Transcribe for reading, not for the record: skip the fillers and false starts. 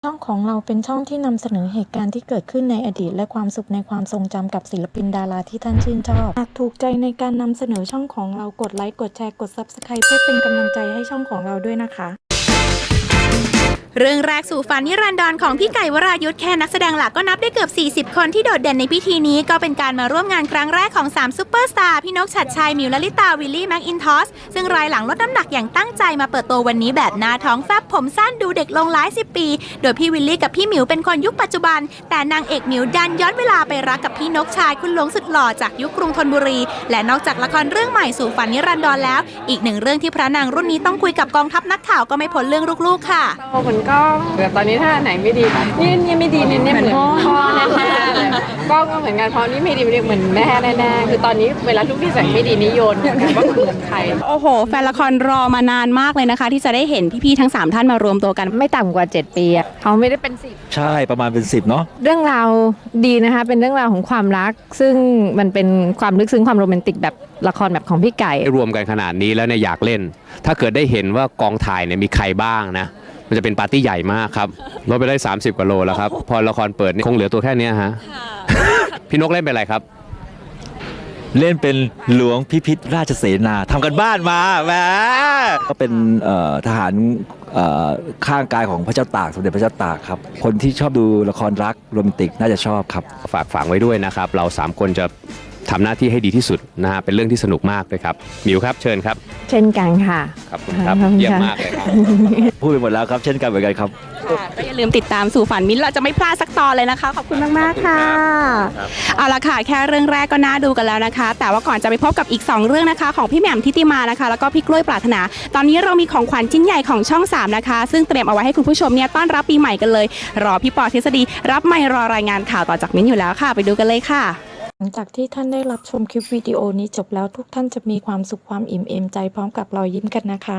ช่องของเราเป็นช่องที่นำเสนอเหตุการณ์ที่เกิดขึ้นในอดีตและความสุขในความทรงจำกับศิลปินดาราที่ท่านชื่นชอบหากถูกใจในการนำเสนอช่องของเรากดไลค์กดแชร์กด Subscribe เพื่อเป็นกำลังใจให้ช่องของเราด้วยนะคะเรื่องแรกสู่ฝันนิรันดรของพี่ไก่วรายุทธแค่นักแสดงหลักก็นับได้เกือบ40คนที่โดดเด่นในพิธีนี้ก็เป็นการมาร่วมงานครั้งแรกของ3ซุปเปอร์สตาร์พี่นกชัดชัยมิวลลิตาวิลลี่แม็กอินทอสซึ่งรายหลังลดน้ำหนักอย่างตั้งใจมาเปิดตัววันนี้แบบหน้าท้องแฟบผมสั้นดูเด็กลงหลาย10 ปีโดยพี่วิลลี่กับพี่มิวเป็นคนยุคปัจจุบันแต่นางเอกมิวดันย้อนเวลาไปรักกับพี่นกชายคุณหลวงสุดหล่อจากยุคกรุงธนบุรีและนอกจากละครเรื่องใหม่สู่ฝันนิรันดรแล้วอีกหนึ่งเรื่องที่พระนางรุ่นนี้ต้องคุยกับกองทัพนักข่าวก็ไม่พ้นเรื่องลูกๆค่ะเหมือนกล้องแต่ตอนนี้ถ้าไหนไม่ดีนี่ไม่ดีเนี่ยเหมือนพ่อแน่ๆเลยกล้องก็เหมือนกันเพราะนี่ไม่ดีเหมือนแม่แน่ๆคือตอนนี้เวลาลูกที่ใส่ไม่ดีนี่โยนว่าเหมือนใครโอ้โหแฟนละครรอมานานมากเลยนะคะที่จะได้เห็นพี่ๆทั้ง3ท่านมารวมตัวกันไม่ต่ำกว่า7 ปีเขาไม่ได้เป็น10 ใช่ประมาณเป็น10เนาะเรื่องราวดีนะคะเป็นเรื่องราวของความรักซึ่งมันเป็นความลึกซึ้งความโรแมนติกแบบละครแบบของพี่ไก่รวมกันขนาดนี้แล้วเนี่ยอยากเล่นถ้าเกิดได้เห็นว่ากองถ่ายเนี่ยมีใครบ้างนะมันจะเป็นปาร์ตี้ใหญ่มากครับลดไปได้30 กว่าโลแล้วครับพอละครเปิดคงเหลือตัวแค่นี้ฮะพี่นกเล่นเป็นอะไรครับเล่นเป็นหลวงพิพิธราชเสนาทำกันบ้านมาแหมก็เป็นทหารข้างกายของพระเจ้าตากสมเด็จพระเจ้าตากครับคนที่ชอบดูละครรักโรแมนติกน่าจะชอบครับฝากฝังไว้ด้วยนะครับเรา3คนจะทำหน้าที่ให้ดีที่สุดนะฮะเป็นเรื่องที่สนุกมากเลยครับมิวครับเชิญครับเช่นกันค่ะขอบคุณครับเยี่ยมมากเลยครับพูดไปหมดแล้วครับเช่นกันเหมือนกันครับก็อย่าลืมติดตามสู่ฝันมิ้นเราจะไม่พลาดสักตอนเลยนะคะขอบคุณมากๆค่ะเอาละค่ะแค่เรื่องแรกก็น่าดูกันแล้วนะคะแต่ว่าก่อนจะไปพบกับอีก2เรื่องนะคะของพี่แหม่มทิติมานะคะแล้วก็พี่กล้วยปรารถนาตอนนี้เรามีของขวัญชิ้นใหญ่ของช่อง3นะคะซึ่งเตรียมเอาไว้ให้คุณผู้ชมเนี่ยต้อนรับปีใหม่กันเลยรอพี่ปอทฤษฎีรับไมค์รอรายงานข่าวต่อจากมิ้นอยู่แล้วค่ะไปดูกันเลยค่ะหลังจากที่ท่านได้รับชมคลิปวิดีโอนี้จบแล้วทุกท่านจะมีความสุขความอิ่มเอมใจพร้อมกับรอยยิ้มกันนะคะ